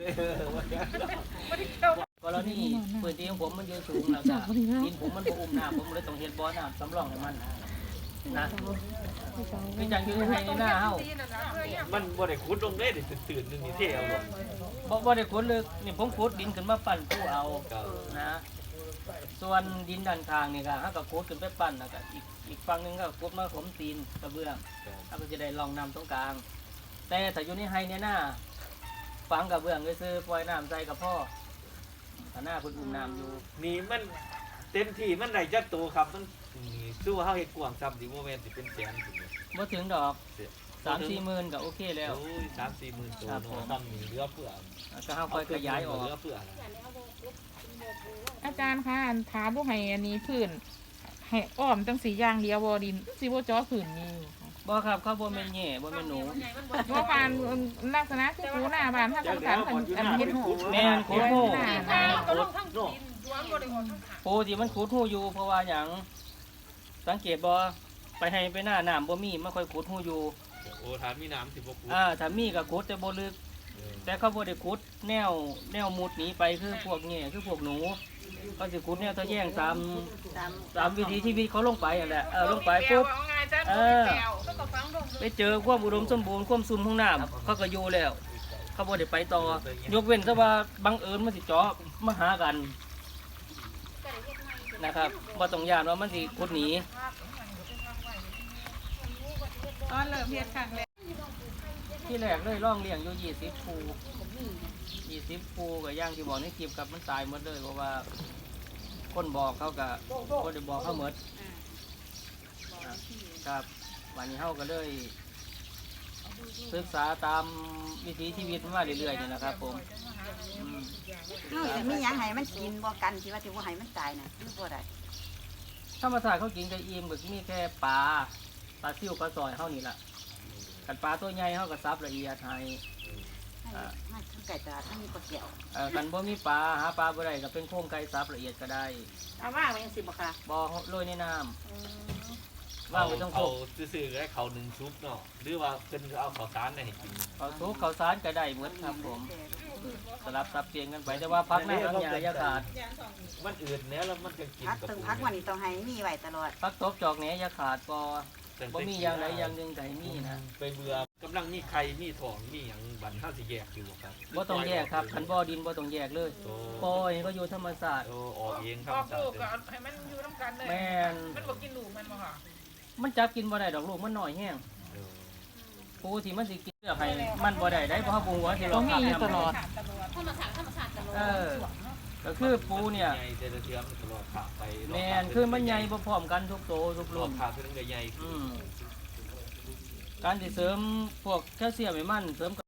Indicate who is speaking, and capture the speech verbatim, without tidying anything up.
Speaker 1: กรณีพื้นที่ของผมมันอยู่สูงแล้วจ้ะดินผมมันบ่อุ้มน้ำผมเลยต้องเฮ็ดบ่อน้ำสำรองให้มันนะคือจังอยู่ในหน้าเฮา
Speaker 2: มันบ่ได้ขุดลงได้ดิตื่นๆนึงนี่เท่เอาลง
Speaker 1: บ่บ่ได้ขุดลึกนี่ผมขุดดินขึ้นมาปั้นผู้เอานะส่วนดินด้านข้างนี่ก็เฮาก็ขุดขึ้นไปปั้นแล้วก็อีกอีกฝั่งนึงก็ขุดมาถมตีนกระเบื้องเฮาก็จะได้รองน้ำตรงกลางแต่ถ้าอยู่ในไฮเนี่ยหน้าฝังกระเบื้องซื่อๆปล่อยน้ำใส่กับพ่อถ้าหน้าเพิ่นอุ้มน้ำอยู่
Speaker 2: นี่มันเต็มที่มันได้จักโตครับมันนี่สู้เฮาเฮ็ดกว้างซ้ำดิบ่แม่นสิเป็นแสนถึง
Speaker 1: บ่ถึงดอกสามสี่หมื่นก็โอเคแล้ว
Speaker 2: โอ้ย สามสี่หมื่นตัวเนาะซ้ำนี่เหลือเฟือ
Speaker 1: แล้วก็เฮาค่อยขยายออก
Speaker 2: เหลือเฟือ
Speaker 3: อาจารย์คะอันถามบ่ให้อันนี้พื้นให้อ้อมจังสีอย่างเดียวบ่ดินสิบ่จ่อพื้นนี่
Speaker 1: บ่ครับเขาบ่แม่นแย่บ่แม่นหนู
Speaker 3: ว่าบ้านลักษณะคือคูหน้าบ้านถ้าต้องการอันอันเฮ็ดหู
Speaker 1: แม่นขุดหู
Speaker 2: ขุดเนาะ
Speaker 1: ปูที่มันขุดหูอยู่เพราะว่าหยังสังเกตบ่ไปให้ไปหน้าน้ำบ่มีมันค่อยขุดหูอยู่
Speaker 2: โอ้ถามมีน้ำสิบ่ขุด
Speaker 1: อ่าถ้ามีก็ขุดแต่บ่ลึก แต่เขาบ่ได้ขุดแนวแนวมุดหนีไปคือพวกแง่คือพวกหนูเขาสิขุดแนวทะแยงตามตามวิถีชีวิตเขาลงไปนั่นแหละเออลงไปปุ๊บเออไปเจอความอุดมสมบูรณ์ความซุ่มของน้ำเขาก็อยู่แล้ว เขาบ่ได้ไปต่อยกเว้นแต่ว่าบังเอิญมันสิเจาะมาหากันนะครับบ่ต้องย่านว่ามันสิขุดหนี
Speaker 3: ตอนเริ่มเฮ็ดครั้งแรก
Speaker 1: ที่แรกเลยร่องเลี้ยงอยู่ยี่สิบภูยี่สิบภูกับย่างที่บอกในคลิปกับมันตายหมดเลยเพราะว่าคนบอกเขากับคนได้บอกเขาหมดครับวันนี้เขาก็เลยศึกษาตามวิถีชีวิตมาเรื่อยๆนี่แหละครับผมอืม
Speaker 4: เฮาสิมีหยังให้มันกินบ่กันที่ว่าสิบ่ให้มันตายน่ะคือบ่ได้
Speaker 1: ธรรมชาติเขากินกับอิ่มก็มีแค่ปลาปลาซิ่วปลาซอยเขานี่แหละกันปลาตัวใหญ่เขาก็ซับละเอียดให้
Speaker 4: ให้มันคือไก่ตลาดมันมีปลาเกี่ยว
Speaker 1: เอ่อกันบ่มีปลาหาปลาบ่ได้ก็เป็นโครงไก่ซับละเอียดก็ได้
Speaker 4: เอาว่างไว้จังซี่บ่ค่ะ
Speaker 1: บ่โรยในน้ำว่างไว้ต้องโค
Speaker 2: เอา
Speaker 1: ก
Speaker 2: ซื่อๆให้เขาหนึ่งซุปเนาะหรือว่าเพิ่นเอาข้าวสารให้กิน
Speaker 1: เขาทุกเขาสารก็ได้หมดครับผมสลับสับเปลี่ยนกันไปแต่ว่าพักหน้าทั้งหยาอย่าขาด
Speaker 2: มันอืดแหน่แล้วมันก็กิน
Speaker 4: พัก
Speaker 2: กับ
Speaker 4: ถึงพักวันนี้ต้องให้มีไว้ตลอด
Speaker 1: พักตบจอกแหนอย่าขาดบ่บ่มีอย่างใดอย่างหนึ่งก็ให้มีนะ
Speaker 2: ไปเบื่อกำลังมีไข่มีทองมีหยังบันเฮาสิแยกอยู่บ่ครับ
Speaker 1: บ่ต้องแยกครับคันบ่อดินบ่ต้องแยกเลย
Speaker 2: โอ้
Speaker 1: ปล่อยก็อยู่ธรรมชาติ
Speaker 2: โอ้ออกเองค
Speaker 3: อ
Speaker 2: รับ
Speaker 3: อกลูกก็ให้มันอยู่นำกันเลย
Speaker 1: แม่น
Speaker 3: มันบ่กินลูกมันบ่ค่ะ
Speaker 1: มันจับกินบ่ได้ดอกลูกมันน้อยแห้ง
Speaker 2: เออ
Speaker 1: ปูที่มันสิกินเลือกให้มันบ่ได้ได้เพราะเขาปรุงไว้ที่
Speaker 3: ต้
Speaker 1: เรา
Speaker 3: องมี
Speaker 1: ขับ
Speaker 3: อยู่ตลอด
Speaker 1: เออก็คือปูเนี่ย
Speaker 2: ใหญ่แต่ละเทื่อมันตลอดขาไป
Speaker 1: แม่นคือมันใหญ่บ่พร้อมกันทุกโตทุก
Speaker 2: ร
Speaker 1: รุ่
Speaker 2: อน บขาคือนึงก็ใหญ่
Speaker 1: อืมการที่เสริมพวกแคลเซียมให้มันเสริม